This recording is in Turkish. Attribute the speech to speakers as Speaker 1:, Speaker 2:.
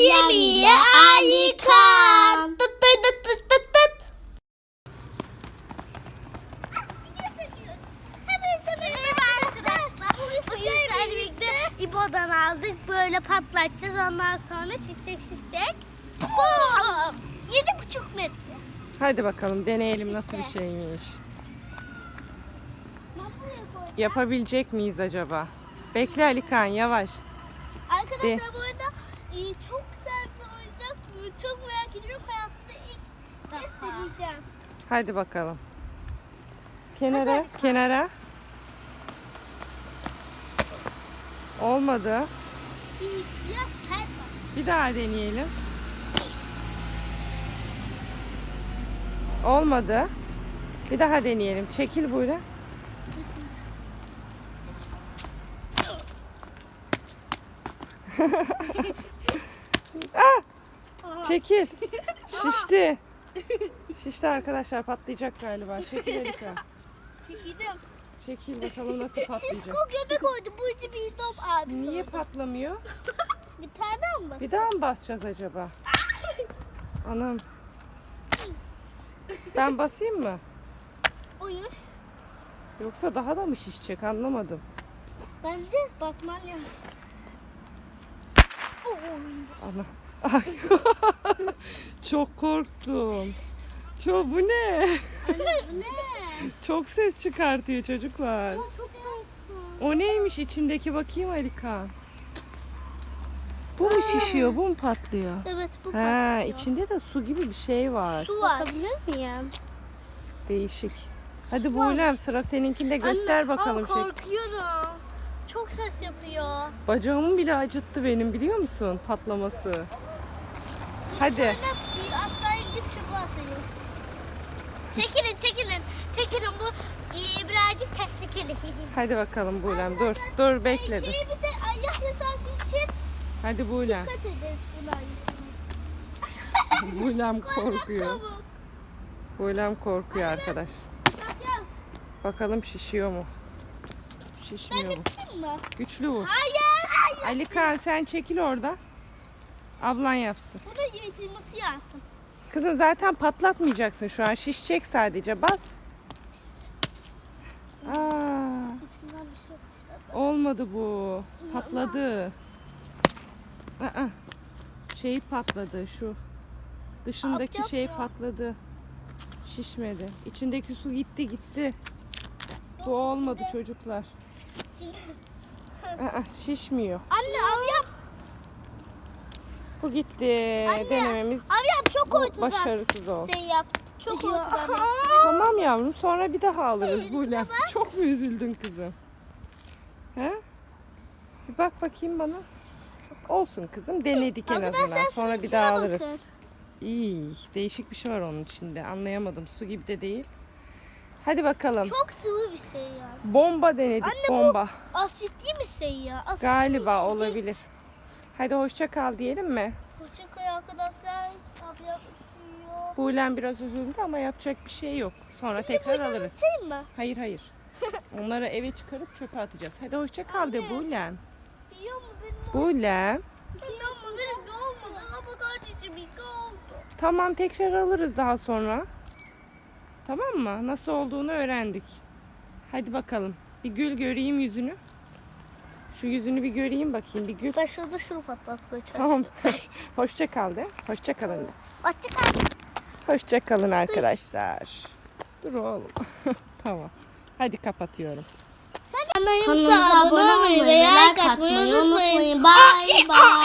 Speaker 1: yemeği Alikan. Tut tut tut tut tut tut. İbo'dan aldık, böyle patlatacağız, ondan sonra şişecek. Bum! 7,5 metre.
Speaker 2: Hadi bakalım deneyelim nasıl bir şeymiş. Yapabilecek miyiz acaba? Bekle Alikan, yavaş.
Speaker 1: Arkadaşlar bu arada çok güzel bir oyuncak. Çok merak ediyorum. Hayatımda ilk kez deneyeceğim.
Speaker 2: Hadi bakalım. Kenara, kenara. Olmadı.
Speaker 1: Biraz sert var.
Speaker 2: Bir daha deneyelim. Olmadı. Bir daha deneyelim. Çekil böyle. Çekil. Şişti. Şişti arkadaşlar, patlayacak galiba. Çekil Erika.
Speaker 1: Çekildim.
Speaker 2: Çekil bakalım nasıl patlayacak.
Speaker 1: Sisko göbek koydu. Bu içi bir top abi.
Speaker 2: Niye patlamıyor?
Speaker 1: Bir tane mi basın?
Speaker 2: Bir daha mı basacağız acaba? Anam. Ben basayım mı?
Speaker 1: Oyun.
Speaker 2: Yoksa daha da mı şişecek, anlamadım.
Speaker 1: Bence basman lazım.
Speaker 2: Ana. Ay. Çok korktum. Bu ne?
Speaker 1: Anne bu ne?
Speaker 2: Çok ses çıkartıyor çocuklar.
Speaker 1: Çok korktum.
Speaker 2: O neymiş içindeki, bakayım Alikan. Bu mu şişiyor, bu mu patlıyor?
Speaker 1: Evet bu
Speaker 2: He,
Speaker 1: patlıyor.
Speaker 2: içinde de su gibi bir şey var.
Speaker 1: Su var. Bakabilir miyim?
Speaker 2: Değişik. Hadi Buğlem, sıra seninkinde, göster
Speaker 1: Anne,
Speaker 2: bakalım.
Speaker 1: ama korkuyorum. Çok ses yapıyor.
Speaker 2: Bacağımı bile acıttı benim, biliyor musun, patlaması. Hadi.
Speaker 1: Sonra aşağıya gidip çöpe atayım. Çekilin çekilin. Çekilin, bu birazcık tehlikeli.
Speaker 2: Hadi bakalım Buğlem, dur. Dur bekle. Dur.
Speaker 1: Bize ayak yasası için
Speaker 2: Hadi Buğlem.
Speaker 1: dikkat edin. Bunlar
Speaker 2: Buğlem korkuyor. Buğlem korkuyor arkadaş. Bakalım şişiyor mu? Şişmiyor mu?
Speaker 1: Mı?
Speaker 2: Güçlü vur.
Speaker 1: Hayır.
Speaker 2: Alikan sen çekil orada. Ablan yapsın.
Speaker 1: Bu da yırtılması yazsın.
Speaker 2: Kızım zaten patlatmayacaksın şu an. Şişecek sadece. Bas. Aa,
Speaker 1: İçinden bir şey yapmışlar.
Speaker 2: olmadı bu. Patladı. Aa, şey patladı şu. Dışındaki
Speaker 1: Alt
Speaker 2: şey
Speaker 1: yapıyor.
Speaker 2: patladı. Şişmedi. İçindeki su gitti. Bu olmadı çocuklar. Aa, şişmiyor.
Speaker 1: Anne abi yap.
Speaker 2: Bu gitti.
Speaker 1: Anne,
Speaker 2: Denememiz
Speaker 1: Abi yap, çok
Speaker 2: bu
Speaker 1: ortadan.
Speaker 2: başarısız oldu.
Speaker 1: Sen yap. Çok ortadan.
Speaker 2: Tamam yavrum, sonra bir daha alırız Buğlem. Çok mu üzüldün kızım? He? Bir bak bakayım bana. Olsun kızım, denedik en
Speaker 1: Arkadaşlar,
Speaker 2: azından. Sonra bir
Speaker 1: içine
Speaker 2: daha alırız.
Speaker 1: bakın.
Speaker 2: İyi, değişik bir şey var onun içinde. Anlayamadım. Su gibi de değil. Hadi bakalım.
Speaker 1: Çok sıvı bir şey ya.
Speaker 2: Bomba denedik,
Speaker 1: Anne, bu
Speaker 2: bomba.
Speaker 1: asitli bir şey ya. Asitli
Speaker 2: Galiba
Speaker 1: bir
Speaker 2: olabilir. Hadi hoşça kal diyelim mi?
Speaker 1: Hoşçakalın arkadaşlar. Abi yapışıyor.
Speaker 2: Buğlem biraz üzüldü ama yapacak bir şey yok. Sonra tekrar alırız.
Speaker 1: Şey mi?
Speaker 2: Hayır. Onları eve çıkarıp çöpe atacağız. Hadi hoşça kal de Buğlem.
Speaker 1: Biliyor mu benim?
Speaker 2: Buğlem.
Speaker 1: Biliyor mu benim de olmadı ama kardeşim ilk oldu.
Speaker 2: Tamam, tekrar alırız daha sonra. Tamam mı? Nasıl olduğunu öğrendik. Hadi bakalım. Bir gül göreyim yüzünü. Şu yüzünü bir göreyim bakayım, bir gül.
Speaker 1: Başladı şunu patlatmaya çalışıyor.
Speaker 2: Tamam. Hoşça kal de. Hoşça kalın de.
Speaker 1: Hoşçakalın.
Speaker 2: Hoşça kalın arkadaşlar. Dur oğlum. Tamam. Hadi kapatıyorum.
Speaker 1: Kanalımıza abone olmayı ve like atmayı unutmayın. Bye bye.